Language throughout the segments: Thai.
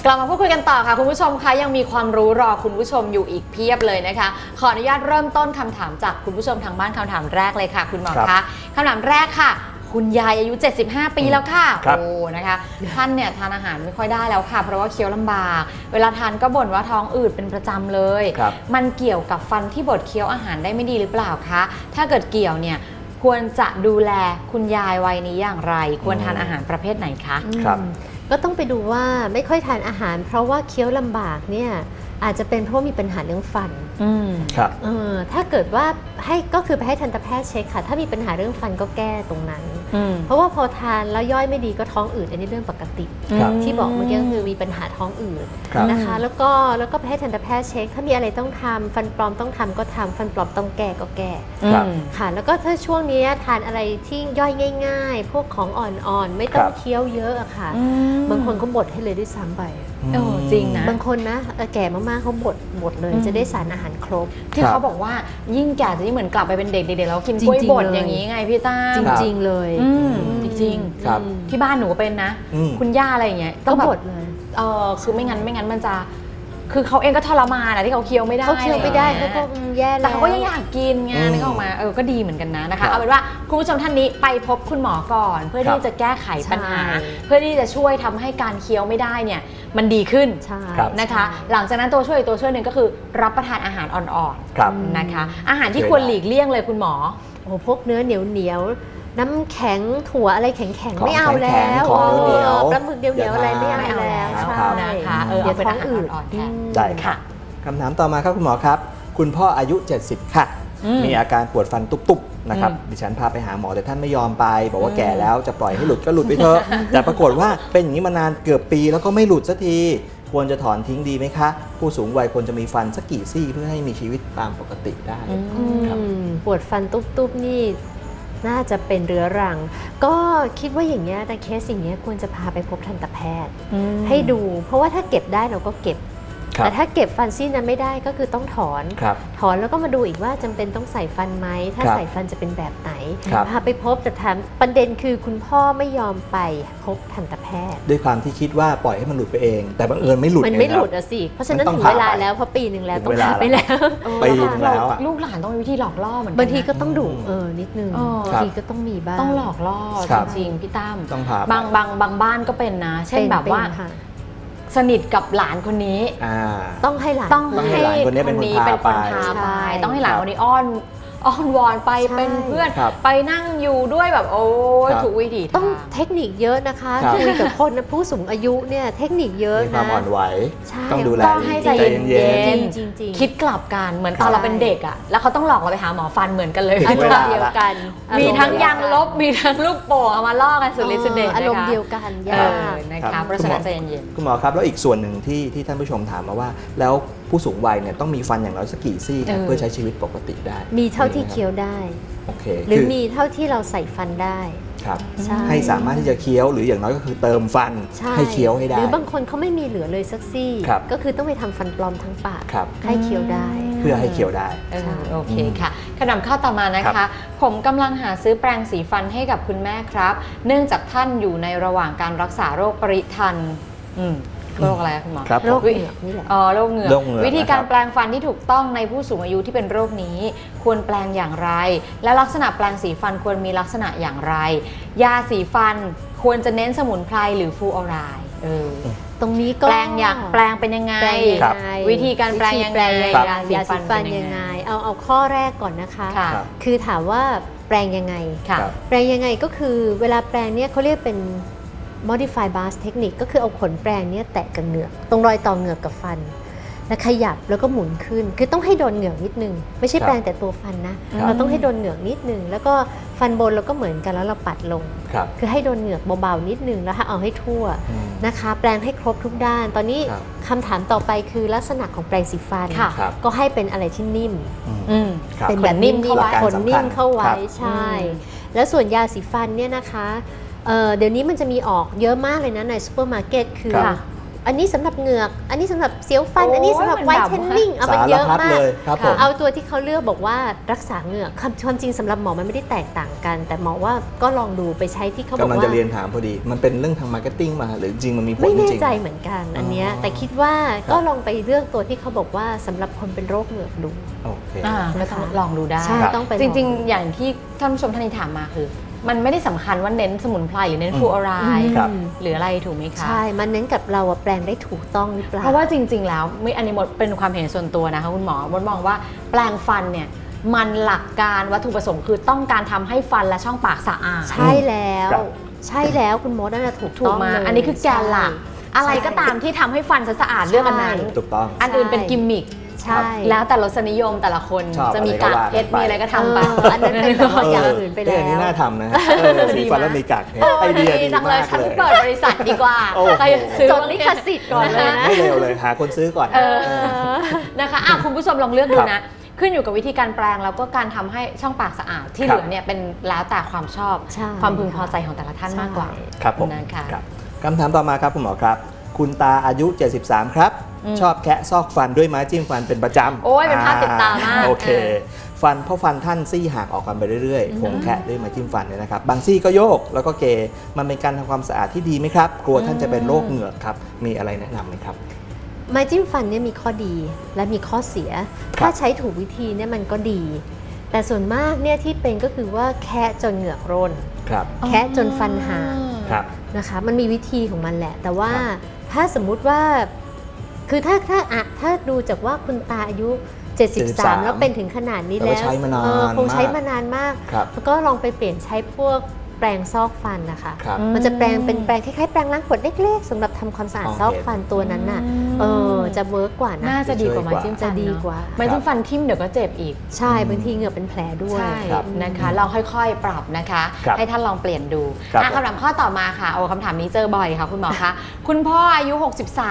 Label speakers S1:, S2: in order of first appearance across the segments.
S1: กลับมาพูดคุยกันต่อค่ะคุณผู้ชมคะยังมีความรู้รอคุณผู้ชมอยู่อีกเพียบเลยนะคะขออนุญาตเริ่มต้นคำถามจากคุณผู้ชมทางบ้านคำถามแรกเลยค่ะคุณหมอคะคำถามแรกค่ะคุณยายอายุ75 ปีแล้วค่ะโอ้นะคะท่านเนี่ยทานอาหารไม่ค่อยได้แล้วค่ะเพราะว่าเคี้ยวลำบากเวลาทานก็บ่นว่าท้องอืดเป็นประจำเลยมันเกี่ยวกับฟันที่บดเคี้ยวอาหารได้ไม่ดีหรือเปล่าคะถ้าเกิดเกี่ยวเนี่ยควรจะดูแลคุณยายวัยนี้อย่างไรควรทานอาหารประเภทไหนคะ
S2: ครับก็ต้องไปดูว่าไม่ค่อยทานอาหารเพราะว่าเคี้ยวลำบากเนี่ยอาจจะเป็นเพราะมีปัญหาเรื่องฟัน
S3: ครับ
S2: ถ้าเกิดว่าก็คือไปให้ทันตแพทย์เช็คค่ะถ้ามีปัญหาเรื่องฟันก็แก้ตรงนั้นเพราะว่าพอทานแล้วย่อยไม่ดีก็ท้องอืดอันนี้เรื่องปกติที่บอกเมื่อกี้ก็คือมีปัญหาท้องอืดนะคะแล้วก็ไปให้ทันตแพทย์เช็คถ้ามีอะไรต้องทำฟันปลอมต้องทำก็ทำฟันปลอมต้องแก้ก็แก้ค่ะแล้วก็ถ้าช่วงนี้ทานอะไรที่ย่อยง่ายๆพวกของอ่อนๆไม่ต้องเคี้ยวเยอะอะค่ะบางคนเขาบดให้เลยด้วยซ้ำไป
S1: จริงนะ
S2: บางคนนะแก่มากๆเขาบดเลยจะได้สารอาหารครบ
S1: ที่เขาบอกว่ายิ่งแก่จะยิ่งเหมือนกลับไปเป็นเด็กๆแล้วกินกล้วยบดอย่างนี้ไงพี่ต้า
S2: จริงๆเลย
S1: จริงๆที่บ้านหนูก็เป็นนะคุณย่าอะไรอย่างเงี้ย
S2: ต้องบดเลย
S1: คือไม่งั้นมันจะคือเขาเองก็ทรมานนะที่เขาเคี้ยวไม่ได้
S2: เขาเคี้ยวไม่ได้เขาก็แย่แล้ว
S1: แต่เขาก็ยังอยากกินไงนึกออกมาก็ดีเหมือนกันนะคะเอาเป็นว่าคุณผู้ชมท่านนี้ไปพบคุณหมอก่อนเพื่อที่จะแก้ไขปัญหาเพื่อที่จะช่วยทำให้การเคี้ยวไม่ได้เนี่ยมันดีขึ้นนะคะหลังจากนั้นตัวช่วยหนึ่งก็คือรับประทานอาหารอ่อนๆนะคะอาหารที่ควรหลีกเลี่ยงเลยคุณหมอ
S2: พวกเนื้อเหนียวน้ำแข็งถั่วอะไรแข็งๆไม่เอาแล้วปลาหมึกเดียวอะไรไม่เอาแล้วใช่
S1: นะคะเดี๋ยวเป็นอาหารอ่อนๆแทน
S3: ได้ค่ะคำถามต่อมาครับคุณหมอครับคุณพ่ออายุ70ค่ะมีอาการปวดฟันตุบๆนะครับดิฉันพาไปหาหมอแต่ท่านไม่ยอมไปบอกว่าแก่แล้วจะปล่อยให้หลุดก็หลุดไปเถอะแต่ปรากฏว่าเป็นอย่างนี้มานานเกือบปีแล้วก็ไม่หลุดสักทีควรจะถอนทิ้งดีไหมคะผู้สูงวัยควรจะมีฟันสักกี่ซี่เพื่อให้มีชีวิตตามปกติได้
S2: ปวดฟันตุบๆนี่น่าจะเป็นเรื้อรังก็คิดว่าอย่างเงี้ยแต่เคสอย่างเงี้ยควรจะพาไปพบทันตแพทย์ให้ดูเพราะว่าถ้าเก็บได้เราก็เก็บแต่ถ้าเก็บฟันซี่นั้นไม่ได้ก็คือต้องถอนแล้วก็มาดูอีกว่าจำเป็นต้องใส่ฟันไหมถ้าใส่ฟันจะเป็นแบบไหนพาไปพบแต่ถามประเด็นคือคุณพ่อไม่ยอมไปพบทันตแพทย์
S3: ด้วยความที่คิดว่าปล่อยให้มันหลุดไปเองแต่บังเอิญไม่หลุด
S2: มันไม่หลุดอะสิเพราะฉะนั้นถึงเวลาแล้วพอปีหนึ่งแล้วต้องพาไปแล้ว
S3: ปีนึงแล้ว
S1: ลูกหลานต้องมีวิธีหลอกล่อเหมือนกัน
S2: บางทีก็ต้องดุนิดนึงบางทีก็ต้องมีบ้าง
S1: ต้องหลอกล่อจริงๆพี่ตั้มบางบ้านก็เป็นนะเช่นแบบว่าสนิทกับหลานคนนี้
S2: ต้องให้หลาน
S3: คนนี้เป็นคนพา
S1: ไปต้องให้หลานคนนี้อ้อนวอนไปเป็นเพื่อนไปนั่งอยู่ด้วยแบบโอ้ยถูกวิธี
S2: ต้องเทคนิคเยอะนะคะคุยกับคนผู้สูงอายุเนี่ยเทคนิคเยอะนะ
S3: ความอ่อนไหวต้องดูแล
S1: ให้ใจเย็นๆคิดกลับกันเหมือนตอนเราเป็นเด็กอ่ะแล้วเขาต้องหลอกเราไปหาหมอฟันเหมือนกันเลย
S2: อารมณ์เดียวกัน
S1: มีทั้งยางลบมีทั้งลูกโป่งเอามาล่อกันสุดฤทธิ์สุดเดช
S2: อารมณ์เดียวกัน
S1: นะคะเพราะฉะนั้นใจเย็น
S3: ๆคุณหมอครับแล้วอีกส่วนหนึ่งที่ท่านผู้ชมถามมาว่าแล้วผู้สูงวัยเนี่ยต้องมีฟันอย่างน้อยสักกี่ซี่เพื่อใช้ชีวิตปกติได้
S2: มีเท่าที่เคี้ยวได้หรือมีเท่าที่เราใส่ฟันได้
S3: ครับให้สามารถที่จะเคี้ยวหรืออย่างน้อยก็คือเติมฟันให้เคี้ยวให้ได้
S2: หรือบางคนเขาไม่มีเหลือเลยสักซี่ก็คือต้องไปทำฟันปลอมทั้งปากให้เคี้ยวได้
S3: เพื่อให้เคี้ยวได้
S1: โอเคค่ะคำถามข้อต่อมานะคะผมกำลังหาซื้อแปรงสีฟันให้กับคุณแม่ครับเนื่องจากท่านอยู่ในระหว่างการรักษาโรคปริทันโรคอะไรคุณหมอ
S2: โรคเหงือกนี่แหละ
S1: โรคเหงือกวิธีการแปลงฟันที่ถูกต้องในผู้สูงอายุที่เป็นโรคนี้ควรแปลงอย่างไรและลักษณะแปลงสีฟันควรมีลักษณะอย่างไรยาสีฟันควรจะเน้นสมุนไพรหรือฟลูออไรด์
S2: ตรงนี้ก็
S1: แปลงเป็นยังไงวิธีการแปลงยังไง
S2: ยาสีฟันยังไงเอาข้อแรกก่อนนะคะคือถามว่าแปลงยังไงแปลงยังไงก็คือเวลาแปลงเนี่ยเขาเรียกเป็นmodify bars technique ก็คือเอาขนแปรงเนี่ยแตะกับเหงือกตรงรอยต่อเหงือกกับฟันแล้วขยับแล้วก็หมุนขึ้นคือต้องให้โดนเหงือกนิดนึงไม่ใช่แปรงแต่ตัวฟันนะเราต้องให้โดนเหงือกนิดนึงแล้วก็ฟันบนเราก็เหมือนกันแล้วเราปัดลงคือให้โดนเหงือกเบาๆนิดนึงแล้วเอาให้ทั่วนะคะแปรงให้ครบทุกด้านตอนนี้คำถามต่อไปคือลักษณะของแปรงสีฟันก็ให้เป็นอะไรที่นิ่มเป็นแบบนิ่มเข้าไว้ขนนิ่มเข้าไว้ใช่แล้วส่วนยาสีฟันเนี่ยนะคะเดี๋ยวนี้มันจะมีออกเยอะมากเลยนะในซูเปอร์มาร์เก็ตคืออันนี้สำหรับเหงือกอันนี้สำหรับเสียวฟัน
S1: โอ้ย
S2: อันนี้สำหรับไวท์เทนนิ่งเอามันเยอะ
S3: สารพัด
S2: มาก
S3: เลยครับผม
S2: เอาตัวที่เขาเลือกบอกว่ารักษาเหงือกความจริงสำหรับหมอมันไม่ได้แตกต่างกัน แต่หมอว่าก็ลองดูไปใช้ที่เขาบอก
S3: กำลัง
S2: ว่า
S3: จะเรียนถามพอดี มันเป็นเรื่องทางมาร์เก็ตติ้งมาหรือจริงมันมีผล
S2: ไม่
S3: จ
S2: แน่
S3: ริง
S2: ใจเหมือนกันอันเนี้ย
S3: อ๋อ
S2: แต่คิดว่า
S3: ครับ
S2: ก็ลองไปเลือกตัวที่เขาบอกว่าสำหรับคนเป็นโรคเหงือกดู
S3: โอเค
S1: ก็ต้องลองดูได้
S2: ใช่
S3: ครับ
S2: ต้องไป
S1: จริง
S2: ลอ
S1: ๆ อย่างที่ท่านผู้ชมท่านนี้ถามมาคือ มันไม่ได้สำคัญว่าเน้นสมุนไพรหรือเน้นฟลูออไรด์
S3: ครับ
S1: หรืออะไรถูกไหมคะ
S2: ใช่มันเน้นกับเราอะแปลงได้ถูกต้องหรือเปล่า
S1: เพราะว่าจริง ๆ แล้วไม่อันนี้หมดเป็นความเห็นส่วนตัวนะคะคุณหมอมองว่าแปลงฟันเนี่ยมันหลักการวัตถุประสงค์คือต้องการทำให้ฟันและช่องปากสะอาด
S2: ใช่แล้ว
S3: ครับ
S2: ใช่แล้วคุณมดนั่นแหละถูก
S1: ถู
S2: ต้
S1: ก
S2: อง
S1: มา
S2: เลย
S1: อันนี้คือแกนหลัก
S2: ใช่
S1: อะไรก็ตามที่ทำให้ฟันสะอาดเลือกอันนั้น
S3: ถูกต้อง
S1: อันอื่นเป็นกิมมิค
S2: ใช่
S1: แล้วแต่รสนิยมแต่ละคน
S3: ชอบ
S1: จะมี
S3: อะไรก็
S1: กาก
S3: ว่า
S1: เพชร
S3: กันไป
S1: มีอะไรก็ทำไป
S2: อันนั้นเป็นแบบว่าอย่างอื่นไป
S3: เรื่อง
S2: แล้
S3: นี้
S2: ว
S3: น่าทำนะฮะสีฟันแล้วมีกากเพชรไอเดียดี
S1: จังเล
S3: มาย ก
S1: ฉัน
S3: เลย
S1: เปิดบริษัทดีกว่า
S3: โอ้โห
S1: ใครซื้อ
S2: จดลิขสิทธิ์ก่อนเลยนะ
S3: ไม่เร็วเลยหาคนซื้อก่อน
S1: นะคะคุณผู้ชมลองเลือกดู
S3: ครับ
S1: นะ ขึ้นอยู่กับวิธีการแปลงแล้วก็การทำให้ช่องปากสะอาดที่
S3: ครั
S1: เห
S3: บ
S1: ลือเนี่ยเป็นแล้วแต่ความชอบ
S2: ใช่
S1: ความพึงพอใจของแต่ละท่านมากกว่า
S3: ครับผม
S1: นะคะ
S3: ครับคำถามต่อมาครับคุณหมอครับ คุณตาอายุ 73 ครับ ชอบแคะซอกฟันด้วยไม้จิ้มฟันเป็นประจำ
S1: โอ้ยเป็นภาพติดตามาก
S3: โอเค เพราะฟันท่านซี่ห่างออกกันไปเรื่อยๆคงแคะด้วยไม้จิ้มฟันเนี่ยนะครับ บางซี่ก็โยกแล้วก็เกมันเป็นการทำความสะอาดที่ดีไหมครับ กลัวท่านจะเป็นโรคเหงือกครับ มีอะไรแนะนำไหมครับ
S2: ไม้จิ้มฟันเนี่ยมีข้อดีและมีข้อเสีย
S3: ครับ
S2: ถ้าใช้ถูกวิธีเนี่ยมันก็ดี แต่ส่วนมากเนี่ยที่เป็นก็คือว่าแคะจนเหงือกร่น
S3: ครับ
S2: แคะจนฟันหาง
S3: ครับ
S2: นะคะมันมีวิธีของมันแหละ แต่ว่า
S3: ครับ
S2: ถ้าสมมุติว่าคือถ้าดูจากว่าคุณตาอายุ 73 แล้วเป็นถึงขนาดนี้
S3: แต่
S2: แล้ว
S3: ว่าใช้มานาน
S2: คงใช้
S3: มาก
S2: มานานมาก
S3: ครับ
S2: แล้วก็ลองไปเปลี่ยนใช้พวกแปรงซอกฟันนะคะ
S3: ครับ
S2: มันจะเป็นแปรงคล้ายๆแปรงล้างขวดเล็กๆสำหรับทำความสะอาด
S3: อ๋อ
S2: ซอกฟันตัวนั้นน่ะจะเวิร์กกว่านะ
S1: น่าจะดีกว่าไม้จิ้ม
S2: จะ
S1: ฟัน
S2: ดี
S1: เนอะ
S2: กว่า
S1: ไม้จิ้มฟันทิ่มเดี๋ยวก็เจ็บอีก
S2: ใช่บางทีเหงือกเป็นแผลด้วย
S1: ใช่
S3: ครับ
S1: นะคะลองค่อยๆ ปรับนะคะ
S3: ครับ
S1: ให้ท่านลองเปลี่ยนดู
S3: ครับ
S1: คำถามข้อต่อมาค่ะคำถามนี้เจอบ่อยค่ะคุณหมอคะ คุณพ่ออายุ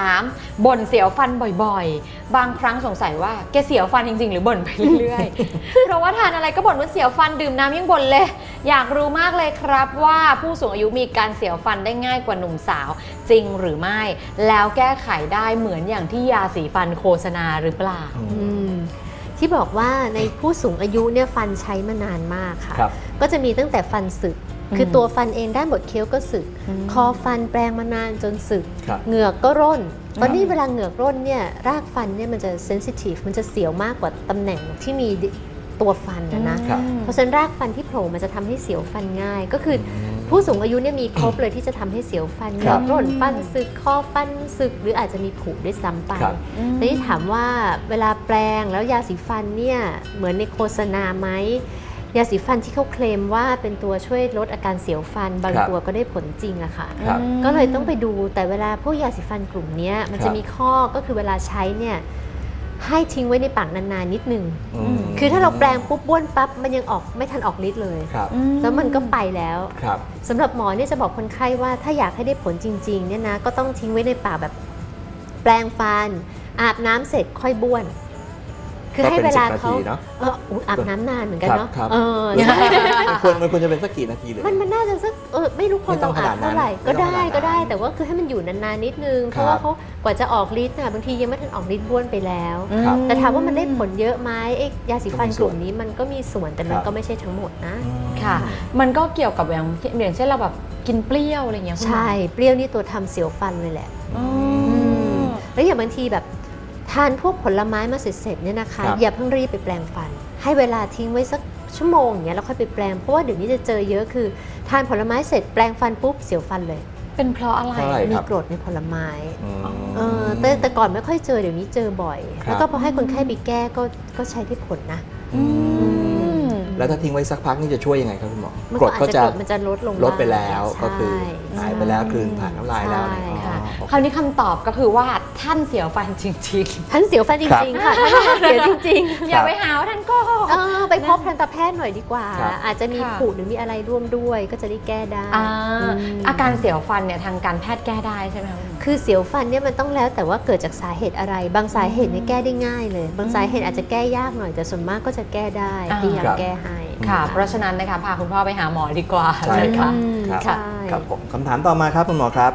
S1: 63 บ่นเสียวฟันบ่อยๆ บางครั้งสงสัยว่าแกเสียวฟันจริงๆ หรือบ่นไปเรื่อยๆ เพราะว่าทานอะไรก็บ่นว่าเสียวฟันดื่มน้ำยังบ่นเลย อยากรู้มากเลยครับว่าผู้สูงอายุมีการเสียวฟันได้ง่ายกว่าหนุ่มสาวจริงหรือไม่ แล้วแก้ไขได้เหมือนอย่างที่ยาสีฟันโฆษณาหรือเปล่า
S2: ที่บอกว่าในผู้สูงอายุเนี่ยฟันใช้มานานมากค่ะ
S3: ครับ
S2: ก็จะมีตั้งแต่ฟันสึก คือตัวฟันเองด้านบดเคี้ยวก็สึก คอฟันแปลงมานานจนสึก
S3: ครับ
S2: เหงือกก็ร่น ตอนนี้เวลาเหงือกร่นเนี่ยรากฟันเนี่ยมันจะเซนซิทีฟมันจะเสียวมากกว่าตำแหน่งที่มีตัวฟันนะ
S3: ครับ
S2: เพราะฉะนั้นรากฟันที่โผล่มันจะทำให้เสียวฟันง่าย ก็คือผู้สูงอายุเนี่ยมีครบเลยที่จะทำให้เสียวฟันเหงือกร่นฟันสึกคอฟันสึกหรืออาจจะมีผุด้วยซ้ำไป
S3: ครับ
S2: แต่ที่ถามว่าเวลาแปลงแล้วยาสีฟันเนี่ยเหมือนในโฆษณาไหมยาสีฟันที่เขาเคลมว่าเป็นตัวช่วยลดอาการเสียวฟันบาง
S3: ครับ
S2: ตัวก็ได้ผลจริงอะค่ะ
S3: ครับ
S2: ก็เลยต้องไปดูแต่เวลาพวกยาสีฟันกลุ่มเนี้ยมัน
S3: ครั
S2: จะ
S3: บ
S2: มีข้อก็คือเวลาใช้เนี่ยให้ทิ้งไว้ในปากนานๆนิดนึง
S3: ม
S2: คือถ้าเราแปลงปุ๊บบ้วนปั๊บมันยังออกไม่ทันออกฤทธิ์เลย
S3: ครับ
S2: แล้วมันก็ไปแล้ว
S3: ครับ
S2: สำหรับหมอเนี่ยจะบอกคนไข้ว่าถ้าอยากให้ได้ผลจริงๆเนี่ยนะก็ต้องทิ้งไว้ในปากแบบแปลงฟันอาบน้ำเสร็จค่อยบ้วน คือให้เวลาเขา
S3: ก็เป็น10 นาทีเนอะ
S2: อาบน้ำนานเหมือนกันเนาะ
S3: ครับ
S2: ใช่
S3: มันควรจะเป็นสักกี่นาทีเลย
S2: มันน่าจะสักไม่รู้คน
S3: ไม่ต้
S2: เรา
S3: องข
S2: อา
S3: นา
S2: บ
S3: ดนั้น
S2: เท่าไหร่
S3: ไม่
S2: ก็
S3: ต้อง
S2: ได้
S3: ขนาดนั้น
S2: ก็ได้ แต่ว่าคือให้มันอยู่นานๆนิดนึงเพราะว่าเขากว่าจะออกฤทธิ์น่ะบางทียังไม่ทันออกฤทธิ์บ้วนไปแล้ว
S3: ครับ
S2: แต่ถามว่ามันได้ผลเยอะไหมไอ้ยาสีฟัน
S3: ก็มี
S2: ก
S3: ส่วน
S2: ลุ่มนี้มันก็มีส่วนแต่มัน
S3: ครับ
S2: ก็ไม่ใช่ทั้งหมดนะ
S1: ค่ะ มันก็เกี่ยวกับอย่างเช่นเราแบบกินเปรี้ยวอะไรเงี้ยคุณหมอ
S2: ใช่เปรี้ยวนี่ตัวทำเสียวฟันเลยแหละ
S1: อืม
S2: แล้วอย่างบางทีแบบทานพวกผลไม้มาเสร็จๆเนี่ยนะคะ
S3: ครับ
S2: อย่าเพิ่งรีบไปแปลงฟัน ให้เวลาทิ้งไว้สักชั่วโมงอย่างเงี้ยแล้วค่อยไปแปลงเพราะว่าเดี๋ยวนี้จะเจอเยอะคือทานผลไม้เสร็จแปลงฟันปุ๊บเสียวฟันเลย
S1: เป็นเพราะอะไร
S3: เพราะอะไร
S2: มี
S3: ครับ
S2: กรดในผลไม้
S3: อืม
S2: แต่ก่อนไม่ค่อยเจอเดี๋ยวนี้เจอบ่อย
S3: ครับ
S2: แล้วก็พอให้คนไข้ไปแก้ก็ใช้ได้ผลนะ
S1: อืม
S3: แล้วถ้าทิ้งไว้สักพักนี่จะช่วยยังไงครับคุณหมอ
S2: มัน
S3: กรดก็จะ
S2: มันจะลดลง
S3: ลดไปแล้ว
S2: บ้าง
S3: ก็คือ
S2: ใช่
S3: หายไปแล้วกลืนผ่านน้ำลายแล้วอะไร
S2: ใช่
S3: อ๋อ
S1: ค่ะ
S3: โอเค
S1: คราวนี้คำตอบก็คือว่าท่านเสียวฟันจริง
S2: ท่านเสียวฟันจริงๆค่ะท่านเสียวจริง
S1: ๆ อย่าไปหาว่าท่านโก็
S2: ๆไปพบทันตแพทย์หน่อยดีกว่า
S3: ครับ
S2: อาจจะมี
S1: ค่ะ
S2: ผุหรือมีอะไรร่วมด้วยก็จะได้แก้ได้
S1: อาการเสียวฟันเนี่ยทางการแพทย์แก้ได้ใช่ไหมคะคุณหมอ
S2: คือเสียวฟันเนี่ยมันต้องแล้วแต่ว่าเกิดจากสาเหตุอะไร บางสาเหตุเนี่ยแก้ได้ง่ายเลย บางสาเหตุอาจจะแก้ยากหน่อยแต่ส่วนมากก็จะแก้ได้
S1: อ่า
S2: พยายาม
S3: ครับ
S2: แก้ให้
S1: ค่ะ เพราะฉะนั้นนะคะพาคุณพ่อไปหาหมอดีกว่า
S3: ใช่
S1: นะ
S3: ครั
S1: คะ
S3: บ ครับ
S2: ใช่
S3: ครับผมคำถามต่อมาครับคุณหมอครับ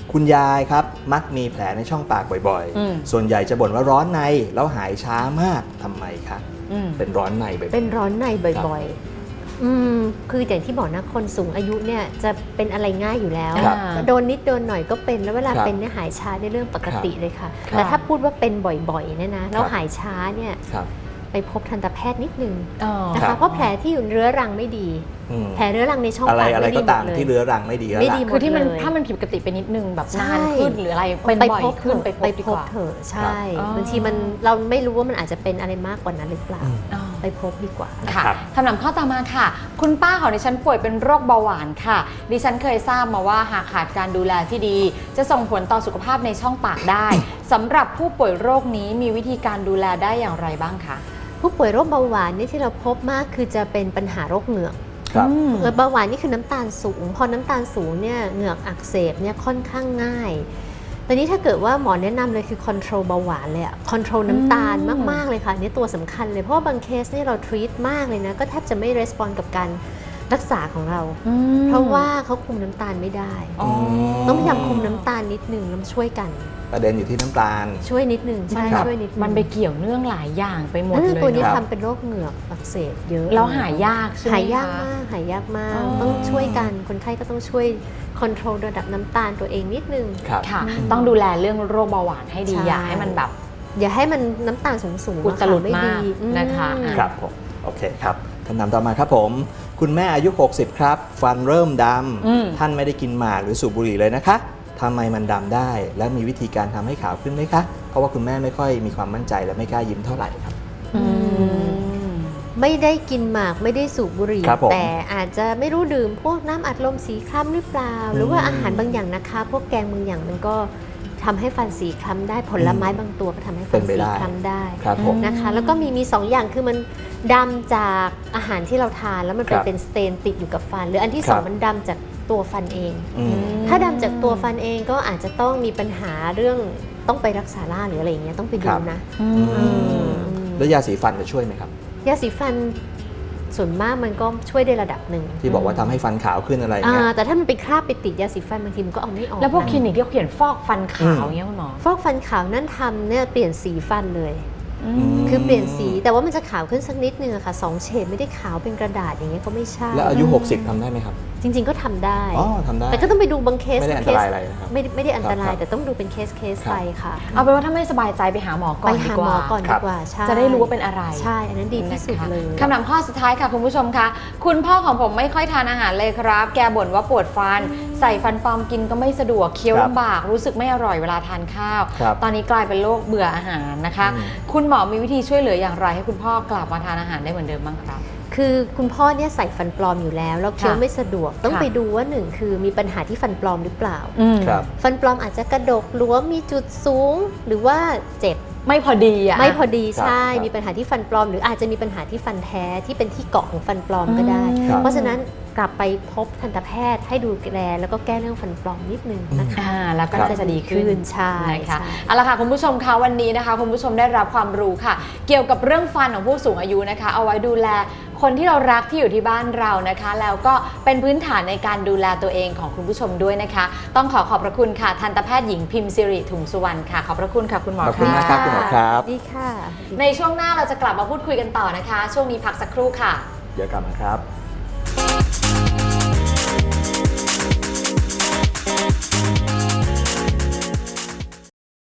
S3: คุณยายครับมักมีแผลในช่องปากบ่อยๆส่วนใหญ่จะบ่นว่าร้อนในแล้วหายช้ามากทำไมคะเป็นร้อนในบ่อยๆ
S2: เป็นร้อนในบ่อยๆคืออย่างที่บอกนะคนสูงอายุเนี่ยจะเป็นอะไรง่ายอยู่แล้วโดนนิดโดนหน่อยก็เป็นแล้วเวลาเป็นเนี่ยหายช้าในเรื่องปกติเลยค่ะแต่ถ้าพูดว่าเป็นบ่อยๆเนี่ยนะแล้วหายช้าเนี่ยไปพบทันตแพทย์นิดนึงนะคะเพราะแผลที่อยู่เรื้อรังไม่ดีแผลเรื้อรังในช่องปาก
S3: อะไรก็ตามที่เรื้อรังไม่ดีแล้ว
S1: คือที่มันถ้ามันผิดปกติไปนิดนึงแบบนานขึ้นหรืออะไรเป็นบ่อยขึ้นไปพบ
S2: เถอะใช่บางทีมันเราไม่รู้ว่ามันอาจจะเป็นอะไรมากกว่านั้นหรือเปล่าไปพบดีกว่า
S1: ค่ะคำถามข้อต่อมาค่ะคุณป้าของดิฉันป่วยเป็นโรคเบาหวานค่ะดิฉันเคยทราบมาว่าหากขาดการดูแลที่ดีจะส่งผลต่อสุขภาพในช่องปากได้สำหรับผู้ป่วยโรคนี้มีวิธีการดูแลได้อย่างไรบ้างคะ
S2: ผู้ป่วยโรคเบาหวานนี่ที่เราพบมากคือจะเป็นปัญหาโรคเหงือกเบาหวานนี่คือน้ำตาลสูงพอน้ำตาลสูงเนี่ยเหงือกอักเสบเนี่ยค่อนข้างง่ายตอนนี้ถ้าเกิดว่าหมอแนะนำเลยคือ control เบาหวานเลยอะ control น้ำตาลมากๆเลยค่ะนี่ตัวสำคัญเลยเพราะว่าบางเคสนี่เรา treat มากเลยนะก็แทบจะไม่ respond กับการรักษาของเราเพราะว่าเขาคุมน้ำตาลไม่ได้ต้องพยายามคุมน้ำตาลนิดนึงแล้วช่วยกัน
S3: ประเด็นอยู่ที่น้ำตาล
S2: ช่วยนิดนึงใช่ช่วยนิด
S1: มันไปเกี่ยวเนื่องหลายอย่างไปหมดเลย
S2: ตัวนี้ทำเป็นโรคเหงือกอักเสบเยอะ
S1: แล้วหายยากใช่ไหม
S2: หายยากมากหายยากมากต้องช่วยกันคนไข้ก็ต้องช่วยคอนโทรลระดับน้ำตาลตัวเองนิดนึง
S1: ค่ะต้องดูแลเรื่องโรคเบาหวานให้ดีอย่าให้มันแบบ
S2: อย่าให้มันน้ำตาลสูง
S1: อุตลุดมากนะคะ
S3: ครับผมโอเคครับคำถามต่อมาครับผมคุณแม่อายุ60ครับฟันเริ่มดำท่านไม่ได้กินหมากหรือสูบบุหรี่เลยนะคะทำไมมันดำได้และมีวิธีการทำให้ขาวขึ้นไหมคะเพราะว่าคุณแม่ไม่ค่อยมีความมั่นใจและไม่กล้ายิ้มเท่าไหร่ครับ
S2: ไม่ได้กินหมากไม่ได้สูบบุหรี่แต่อาจจะไม่รู้ดื่มพวกน้ำอัดลมสีคล้ำหรือเปล่าหรือว่าอาหารบางอย่างนะคะพวกแกงบางอย่างมันก็ทำให้ฟันสีคล้ำได้ผลไม้บางตัวก็ทำให้ฟันสีคล้ำได้นะคะแล้วก็มี2 อย่างคือมันดำจากอาหารที่เราทานแล้วมันเป็นสเตนติดอยู่กับฟันหรืออันที่2มันดำจากตัวฟันเองถ้าดำจากตัวฟันเองก็อาจจะต้องมีปัญหาเรื่องต้องไปรักษาล่าหรืออะไรอย่างเงี้ยต้องไปดูนะ
S3: แล้วยาสีฟันจะช่วยไหมครับ
S2: ยาสีฟันส่วนมากมันก็ช่วยได้ระดับหนึ่ง
S3: ที่บอกว่าทำให้ฟันขาวขึ้นอะไรเงี้ย
S2: แต่ถ้ามันไปคราบไปติดยาสีฟันบางทีมันก็เอาไม่ออก
S1: แล้วพวกคลินิกที่เขาเขียนฟอกฟันขาวเงี้ยคุณหมอ
S2: ฟอกฟันขาวนั่นทำเนี่ยเปลี่ยนสีฟันเลยคือเปลี่ยนสีแต่ว่ามันจะขาวขึ้นสักนิดนึงอะค่ะ2 เฉดไม่ได้ขาวเป็นกระดาษอย่างเงี้ยก็ไม่ใช่
S3: แล้วอายุ60ทำได้ไหมครับ
S2: จริงๆก็ทำได้
S3: ทำได้
S2: แต่ก็ต้องไปดูบางเคส
S3: ไม่ได้อันตรายอะไรนะครับ
S2: ไม่ได้อันตรายแต่ต้องดูเป็นเคสไปค่ะ
S1: เอาเป็นว่าถ้าไม่สบายใจไปหาหมอก่อนดีกว่าจะได้รู้ว่าเป็นอะไร
S2: ใช่อันนั้นดีที่สุดเลย
S1: คำถามข้อสุดท้ายค่ะคุณผู้ชมคะคุณพ่อของผมไม่ค่อยทานอาหารเลยครับแกบ่นว่าปวดฟันใส่ฟันปลอมกินก็ไม่สะดวกเคี้ยวลำบากรู้สึกไม่อร่อยเวลาทานข้าวตอนนี้กลายเป็นโรคเบื่ออาหารนะคะคุณหมอมีวิธีช่วยเหลืออย่างไรให้คุณพ่อกลับมาทานอาหารได้เหมือนเดิมบ้างครับ
S2: คือคุณพ่อเนี่ยใส่ฟันปลอมอยู่แล้วเคี้ยวไม่สะดวกต้องไปดูว่า1คือมีปัญหาที่ฟันปลอมหรือเปล่าฟันปลอมอาจจะกระดกหรือว่ามีจุดสูงหรือว่าเจ็บ
S1: ไม่พอดี
S2: ไม่พอดีใช่มีปัญหาที่ฟันปลอมหรืออาจจะมีปัญหาที่ฟันแท้ที่เป็นที่เกาะของฟันปลอมก็ได้เพราะฉะนั้นกลับไปพบทันตแพทย์ให้ดูแลแล้วก็แก้เรื่องฟันปลอมนิดนึงนะคะ
S1: แล้วก็จะดีขึ้น
S2: ใช่
S1: ค่ะเอาละค่ะคุณผู้ชมคะวันนี้นะคะคุณผู้ชมได้รับความรู้ค่ะเกี่ยวกับเรื่องฟันของผู้สูงอายุนะคะเอาไว้ดูแลคนที่เรารักที่อยู่ที่บ้านเรานะคะแล้วก็เป็นพื้นฐานในการดูแลตัวเองของคุณผู้ชมด้วยนะคะต้องขอบพระคุณค่ะทันตแพทย์หญิงพิมพ์สิริถุงสุวรรณค่ะขอบพระคุณค่ะคุณหมอ
S3: ขอบคุณนะครับคุณหมอครับ
S2: ดีค่ะ
S1: ในช่วงหน้าเราจะกลับมาพูดคุยกันต่อนะคะช่วงนี้พักสักครู่ค่ะ
S3: เดี๋ยวกลับมาครับ